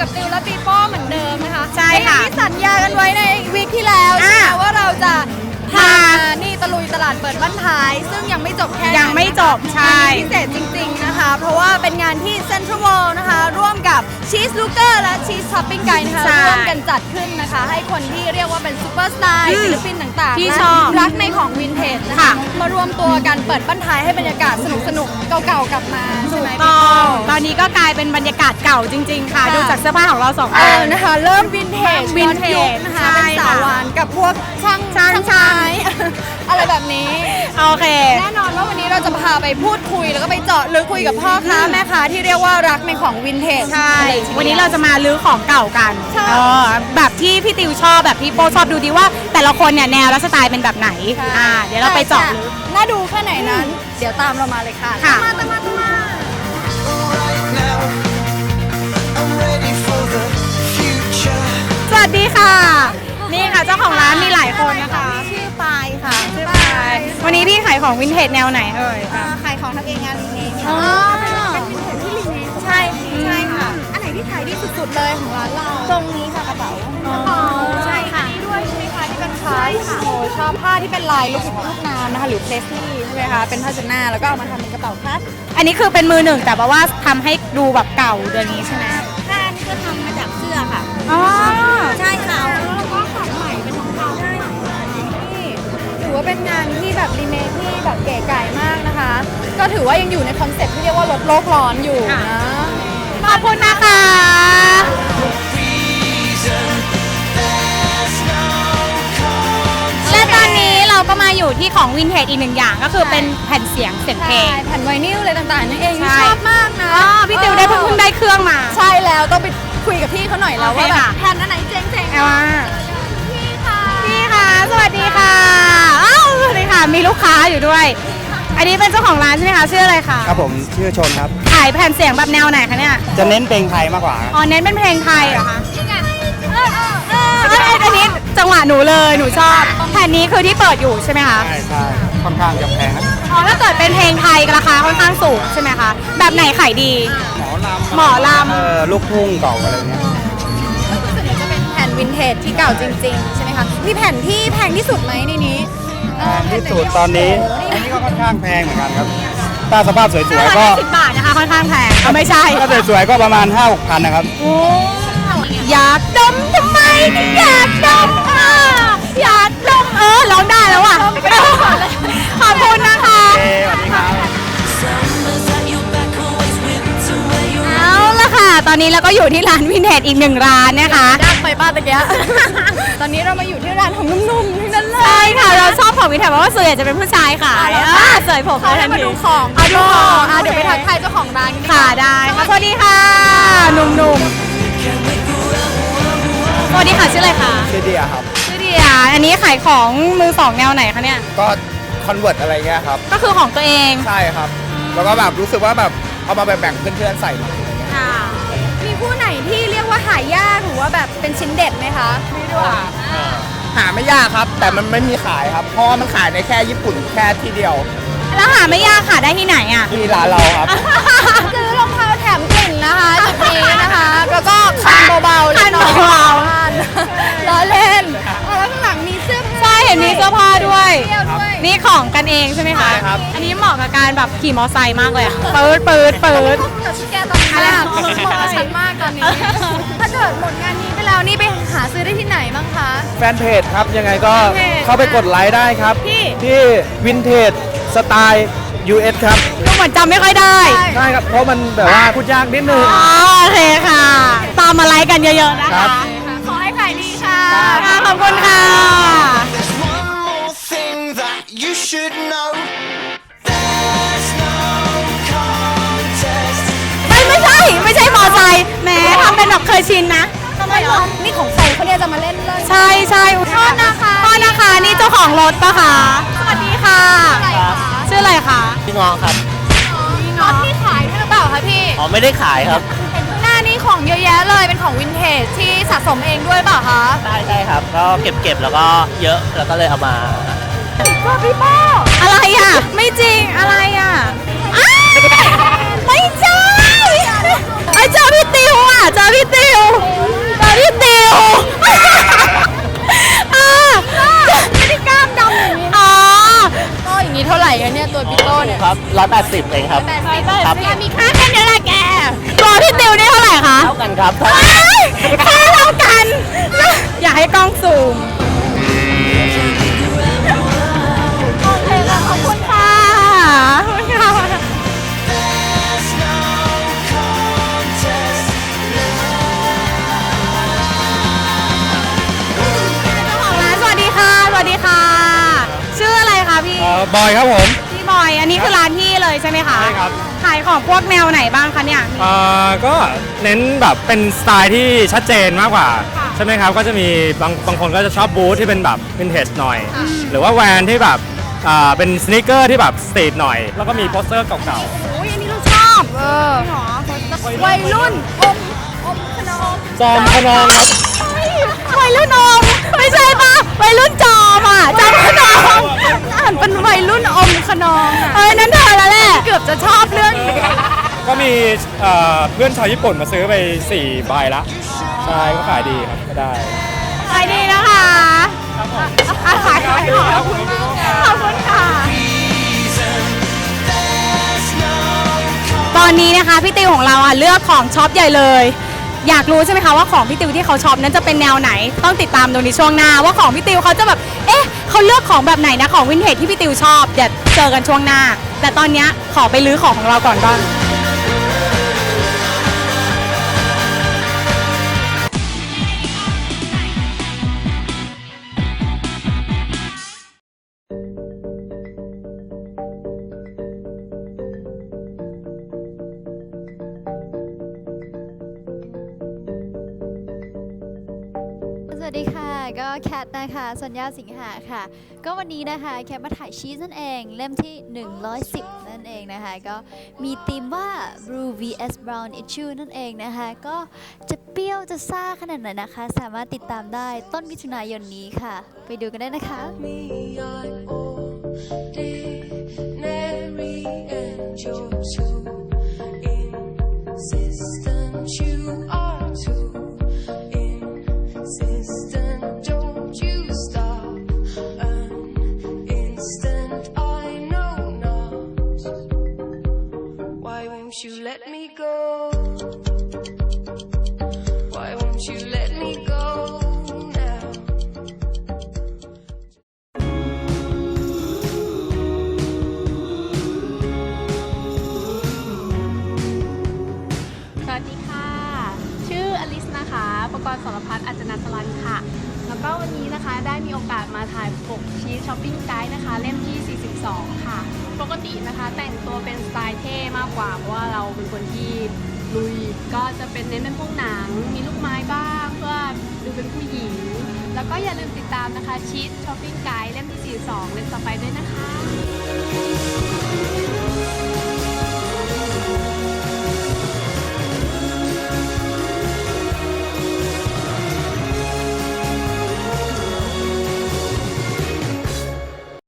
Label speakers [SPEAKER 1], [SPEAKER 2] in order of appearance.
[SPEAKER 1] กับติวและปีโป้เหมือนเดิมนะคะ
[SPEAKER 2] ใช่ค่ะ
[SPEAKER 1] ที่สัญญากันไว้ในวีคที่แล้วใช่ไหมว่าเราจะพานี่ตะลุยตลาดเปิดบ้านท้ายซึ่งยังไม่จบแค่
[SPEAKER 2] ยังไม่จบใช่
[SPEAKER 1] พิเศษจริงๆนะคะเพราะว่าเป็นงานที่เซ็นทรัลเวิลด์นะคะร่วมกับชีสลูเกอร์และชีสช้อปปิ้งไกด์นะคะร่วมกันจัดขึ้นนะคะให้คนที่เรียกว่าเป็นซูเปอร์สตาร์ศิลปินต่างๆ
[SPEAKER 2] ที่
[SPEAKER 1] และ
[SPEAKER 2] ชอบ
[SPEAKER 1] รักในของวินเทจนะคะมารวมตัวกันเปิดบ้านท้ายให้บรรยากาศสนุกๆเก่าๆกลับมาใช่ไหมพี่
[SPEAKER 2] ตอนนี้ก็กลายเป็นบรรยากาศเก่าจริงๆค่ะดูจากเสื้อผ้าของเราสองคน
[SPEAKER 1] นะคะเริ่มวินเทจ
[SPEAKER 2] วินเทจ
[SPEAKER 1] ย้อนยุคนะคะ
[SPEAKER 2] ใช่
[SPEAKER 1] เป็นสาวหวานกับพวกช่างไม้ อะไรแบบนี้
[SPEAKER 2] โอเค
[SPEAKER 1] แน่นอนว่าวันนี้เราจะพาไปพูดคุยแล้วก็ไปเจาะลึกคุยกับพ่อค้าแม่ค้าที่เรียกว่ารักในของวินเทจ
[SPEAKER 2] ใช่ วันนี้เราจะมาลื้อของเก่ากัน
[SPEAKER 1] ใช่
[SPEAKER 2] แบบที่พี่ติวชอบแบบพี่โปชอบดูดีว่า แต่ละคนเนี่ยแนวและสไตล์เป็นแบบไหนเดี๋ยวเราไปเจาะลึก
[SPEAKER 1] น่าดูแค่ไหนนั้น เดี๋ยวตามเรามาเลยค่ะ
[SPEAKER 2] ค่ะ
[SPEAKER 1] ตามมา
[SPEAKER 3] Right now, I'm ready for the future.
[SPEAKER 2] สวัสดีค่ะ นี่ค่ะเจ้าของร้านมีหลายคนนะคะ
[SPEAKER 1] ชื่อปายค่ะ
[SPEAKER 2] ชื่อปายวันนี้พี่ขายของวินเทจแนวไหนเอ่ย
[SPEAKER 1] ขายของทำเองงานรีเมค
[SPEAKER 2] อ๋อ
[SPEAKER 1] เป็นวินเทจที่รีเมคใช่ค่ะ อันไหนที่ขายดีสุดๆเลยของร้านเราตรงนี้ค่ะกระเป๋าใช่ค่ะนี่ด้วยใช่ไหมคะที่เป็นผ้าโอ้ชอบผ้าที่เป็นลายลูกน้ำนะคะหรือเพลสลี่ใช่ไหมคะเป็นผ้าเช็ดหน้าแล้วก็เอามาทำเป็นกระเป๋าคาด
[SPEAKER 2] อันนี้คือเป็นมือหนึ่งแต่ว่าทำให้ดูแบบเก่าเดือนนี้ใช่ไหม
[SPEAKER 1] ผ้านี่ก็ทำมาจากเสื้อค่ะ
[SPEAKER 2] อ๋อ
[SPEAKER 1] ใช่ค่ะแล้วก็ตัดใหม่เป็นรองเท้าใช่นี่ถือว่าเป็นงานที่แบบรีเมคที่แบบเก๋ไก่มากนะคะ ก็ถือว่ายังอยู่ในคอนเซ็ปต์ที่เรียกว่าลดโลกร้อนอยู่นะ
[SPEAKER 2] ขอบคุณนะคะ
[SPEAKER 3] Reason there's no
[SPEAKER 2] และตอนนี้เราก็มาอยู่ที่ของวินเทจอีกหนึ่งอย่างก็คือเป็นแผ่นเสียงเพล
[SPEAKER 1] ใช่
[SPEAKER 2] ง
[SPEAKER 1] แผ่นไวนิลอะไรต่างๆนั่นเอง
[SPEAKER 2] ใช่
[SPEAKER 1] ชอบมากนะ
[SPEAKER 2] อ๋อพี่ติวได้เพิ่งได้เครื่องมา
[SPEAKER 1] ใช่แล้วต้องไปคุยกับพี่เขาหน่อยแล้ว
[SPEAKER 2] โอเค
[SPEAKER 1] ว่าแบบ
[SPEAKER 2] ค่ะ
[SPEAKER 1] แผ่นอันไหนเจ๋งๆ
[SPEAKER 2] เอาว่า
[SPEAKER 1] พี่ค่ะ
[SPEAKER 2] พี่คะสวัสดีค่ะอ้าวสวัสดีค่ะ มีลูกค้าอยู่ด้วย อันนี้เป็นเจ้าของร้านใช่ไหมคะชื่ออะไรคะ
[SPEAKER 4] ครับผมชื่อชนครับ
[SPEAKER 2] ขายแผ่นเสียงแบบแนวไหนคะเนี่ย
[SPEAKER 4] จะเน้นเพลงไทยมากกว่าครับ
[SPEAKER 2] อ๋อเน้นเป็นเพลงไทยเหรอคะอันนี้จังหวะหนูเลยหนูชอบแผ่นนี้คือที่เปิดอยู่ใช่ไหมคะ
[SPEAKER 4] ใช่ใช่ค่อนข้างจะแพงนะ
[SPEAKER 2] อ๋อถ้าเกิดเป็นเพลงไทยราคาค่อนข้างสูงใช่ไหมคะแบบไหนขายดี หมอลำ
[SPEAKER 4] ลูกทุ่งเก่าอะไรเงี้ย
[SPEAKER 1] ก็คือส่วนใหญ่จะเป็นแผ่นวินเทจที่เก่าจริงๆใช่ไหมคะมีแผ่นที่แพงที่สุดไหมในนี้
[SPEAKER 4] แพงที่สุดตอนนี้ อันนี้ก็ค่อนข้างแพงเหมือนกันครับ ถ้าสภาพสวยๆก็
[SPEAKER 2] 10 บาทนะคะค่อนข้างแพงเอาไม่ใช่
[SPEAKER 4] ถ้าสวยๆก็ประมาณ 5-6 พันนะครับ
[SPEAKER 2] อยากดมทำไมถึงอยากดมอยากดมร้องได้แล้วอ่ะขอบคุณนะคะ
[SPEAKER 4] สวัสดีครับ
[SPEAKER 3] Summers at your back, always winter where you're
[SPEAKER 2] เอาละค่ะ ตอนนี้เราก็อยู่ที่ร้านวินเทจอีกหนึ่งร้านนะคะ
[SPEAKER 1] ดักไปป้าตะเกีย ตอนนี้เรามาอยู่ที่ร้านของนุ่มๆทั้งนั้นเลย
[SPEAKER 2] ใช่ค่ะเราชอบของวินเทจเพราะว่าส่วนใหญ่จะเป็นผู้ชายขายเสยผม
[SPEAKER 1] เขา
[SPEAKER 2] ทั
[SPEAKER 1] ให้
[SPEAKER 2] น
[SPEAKER 1] มา
[SPEAKER 2] ที
[SPEAKER 1] ดูของ
[SPEAKER 2] เอาดูของ
[SPEAKER 1] เดี๋ยวไปทักทายเจ้าของร้านกันดีก
[SPEAKER 2] ค่ะ
[SPEAKER 1] ว่า
[SPEAKER 2] ได้ค่ะสวัสดีค่ะหนุ่มๆสวัสดีค่ะชื่ออะไรคะ
[SPEAKER 4] ชื่อเดียครับ
[SPEAKER 2] ชื่อเดียอันนี้ขายของมือสองแนวไหนคะเนี่ย
[SPEAKER 4] ก็คอนเวิร์ตอะไรเงี้ยครับ
[SPEAKER 2] ก็คือของตัวเอง
[SPEAKER 4] ใช่ครับ แล้วก็แบบรู้สึกว่าแบบเอามาแบ่งเพื่อนๆใส่หน่อยอะไรเงี้ย
[SPEAKER 2] ค่ะ
[SPEAKER 1] มีคู่ไหนที่เรียกว่าหายากหรือว่าแบบเป็นชิ้นเด็ดไหมคะไม่ด้วย
[SPEAKER 4] หาไม่ยากครับ แต่มันไม่มีขายครับ เพราะว่ามันขายในแค่ญี่ปุ่นแค่ที่เดียว
[SPEAKER 2] แล้วหาไม่ยากค่ะได้ที่ไหนอ่ะ
[SPEAKER 4] ที่ร้านเราครับ
[SPEAKER 1] ซื้อรองเท้าแถมกลิ่นนะคะจุดนี้นะคะ แล้วก็คันเบาๆ
[SPEAKER 2] คันเบาๆ
[SPEAKER 1] คันล้อเล่นแล้วข้างหลังมีเสื้อผ้า
[SPEAKER 2] ใช่เห็นมีเสื้อผ้าด้วย
[SPEAKER 1] เที่ยวด้วย
[SPEAKER 2] นี่ของกันเองใช่ไหมคะ
[SPEAKER 4] ใช่ครับ
[SPEAKER 2] อันนี้เหมาะกับการแบบขี่มอไซค์มากเลยอะปื๊ดปื๊ดปื๊ด
[SPEAKER 1] แต่ชุดแกตอนนี้มากเหมาะกับฉันมากตอนนี้ ถ้าเกิดหมดงานนี้ไปแล้วนี่ไปหาซื้อได้ที่ไหนบ้างคะ
[SPEAKER 4] แฟนเพจครับ ยังไงก็
[SPEAKER 1] แฟนเพจ
[SPEAKER 4] เข้าไปกดไลค์ได้ครับ ที่วินเทจสไตล์ US ครับ
[SPEAKER 2] ดูเหมือนจำไม่ค่อยได้
[SPEAKER 4] ใช่ครับ เพราะมันแบบว่าพูดยากนิดนึง
[SPEAKER 2] อ๋อโอเคค่ะ ตามมาไลค์กันเยอะๆนะ
[SPEAKER 4] ครั
[SPEAKER 2] คะ
[SPEAKER 4] บ
[SPEAKER 1] ขอให้ขายดีค่ะ
[SPEAKER 2] ค่ะขอบคุณค่ะ
[SPEAKER 3] There's one more thing that you should know. There's no contest.
[SPEAKER 2] ไม่ใช่มอไซค์แหมทำเป็นแบบเคยชินนะ
[SPEAKER 1] ทำไมเหรอนี่ของใครเขาเนี่ยจะมาเล่นเลย
[SPEAKER 2] ใช่โทษนะคะนี่เจ้าของรถปะคะสวัสดีค่ะ
[SPEAKER 1] อะไรคะ
[SPEAKER 2] ชื่ออะไรคะ
[SPEAKER 5] พี่งอครับ
[SPEAKER 1] รถที่ขายด้วยหรือเปล่าคะพี่
[SPEAKER 5] อ๋อไม่ได้ขายครับ
[SPEAKER 1] เห็นข้างหน้านี่ของเยอะแยะเลยเป็นของวินเทจที่สะสมเองด้วยเปล่าคะ
[SPEAKER 5] ใช่ครับ ก็เก็บแล้วก็เยอะแล้วก็เลยเอามา
[SPEAKER 1] ว่าพี่ป้อ
[SPEAKER 2] อะไรอ่ะ ไม่จริงอะไรอ่ะอ้าวไม่ใช่ยเจอพี่ติวอ่ะเจอพี่ติวไม่ได้กล้ามดำอย่างนี้อ๋อก็อย่างนี้เท่าไหร่กันเนี่ยตัวพี่โต้เนี่ย
[SPEAKER 5] ครับ180เองครับ ครับ
[SPEAKER 2] มีค่าแค่นี้แหละแกตัวพี่ติวนี่เท่าไหร่คะ
[SPEAKER 5] เท่ากันครับ
[SPEAKER 2] แค่เท่ากัน อยากให้กล้องซูมโอเคค่ะขอบคุณค่ะขอบคุณค่ะ
[SPEAKER 3] There's no contest.
[SPEAKER 2] เจ้าของร้านสวัสดีค่ะ สวัสดีค่ะ ชื่ออะไรคะพี่
[SPEAKER 4] บอยครับผม
[SPEAKER 2] พี่บอย อันนี้คือร้านพี่เลยใช่ไหมคะ
[SPEAKER 4] ใช่ครับ
[SPEAKER 2] ขายของพวกแนวไหนบ้างคะเนี่ย
[SPEAKER 4] ก็เน้นแบบเป็นสไตล์ที่ชัดเจนมากกว่า ใช่ไหมครับ ก็จะมีบางคนก็จะชอบบูทที่เป็นแบบวินเทจหน่อย หรือว่าแวนที่แบบเป็นสเนคเกอร์ที่แบบสตรีทหน่อย แล้วก็มีโปสเตอร์เก่า
[SPEAKER 2] โอ้ยอันนี้เราชอบหรอวัยรุ่นอมขนม
[SPEAKER 4] ๆจอมขนองครับ
[SPEAKER 2] วัยรุ่นอมไม่ใช่ปะวัยรุ่นจอมอ่ะจอมขนมอ่านเป็นวัยรุ่นอมขนมนั่นเธอแล้วแหละเกือบจะชอบเรื่องนี้
[SPEAKER 4] ก็มีเพื่อนชาวญี่ปุ่นมาซื้อไป4 ใบละใช่ก็ขายดีครับก็ได้
[SPEAKER 2] ขายดีนะคะขายของขอบคุณมากขอบคุณค่ะ ตอนนี้นะคะพี่ติวของเราเลือกของช็อปใหญ่เลย อยากรู้ใช่ไหมคะว่าของพี่ติวที่เขาช็อปนั้นจะเป็นแนวไหนต้องติดตามดูในช่วงหน้าว่าของพี่ติวเขาจะแบบเขาเลือกของแบบไหนนะของวินเทจที่พี่ติวชอบเดี๋ยวเจอกันช่วงหน้า แต่ตอนนี้ขอไปลื้อของเราก่อนบ้าง
[SPEAKER 6] สวัสดีค่ะก็แคทนะคะสัญญาสิงหาค่ะก็วันนี้นะคะแคทมาถ่ายชีสนั่นเองเล่มที่110นั่นเองนะคะก็มีธีมว่า Blue vs Brown Issue นั่นเองนะคะก็จะเปรี้ยวจะซ่าขนาดไหนนะคะสามารถติดตามได้ต้นมิถุนายนนี้ค่ะไปดูกันได้นะคะ
[SPEAKER 7] Me, I'm ordinary and you're too insistent. You are too insistent. Don't you stop an instant. I know not. Why won't you let me go? Why won't you let me go now?
[SPEAKER 8] สวัสดีค่ะ ชื่ออลิสนะคะ ประกรณ์สรพัฒน์อัจจนาสลันค่ะ แล้วก็วันนี้นะคะได้มีโอกาสมาถ่ายปกชีสช้อปปิ้งไกด์นะคะ เล่มที่ 42 ค่ะ ปกตินะคะแต่งตัวเป็นสไตล์เท่มากกว่าเพราะว่าเราเป็นคนที่ลุย ก็จะเป็นเน้นเป็นพวกหนัง มีลูกไม้บ้างเพื่อดูเป็นผู้หญิง แล้วก็อย่าลืมติดตามนะคะชีสช้อปปิ้งไกด์เล่มที่ 42 เล่มต่อไปด้วยนะคะ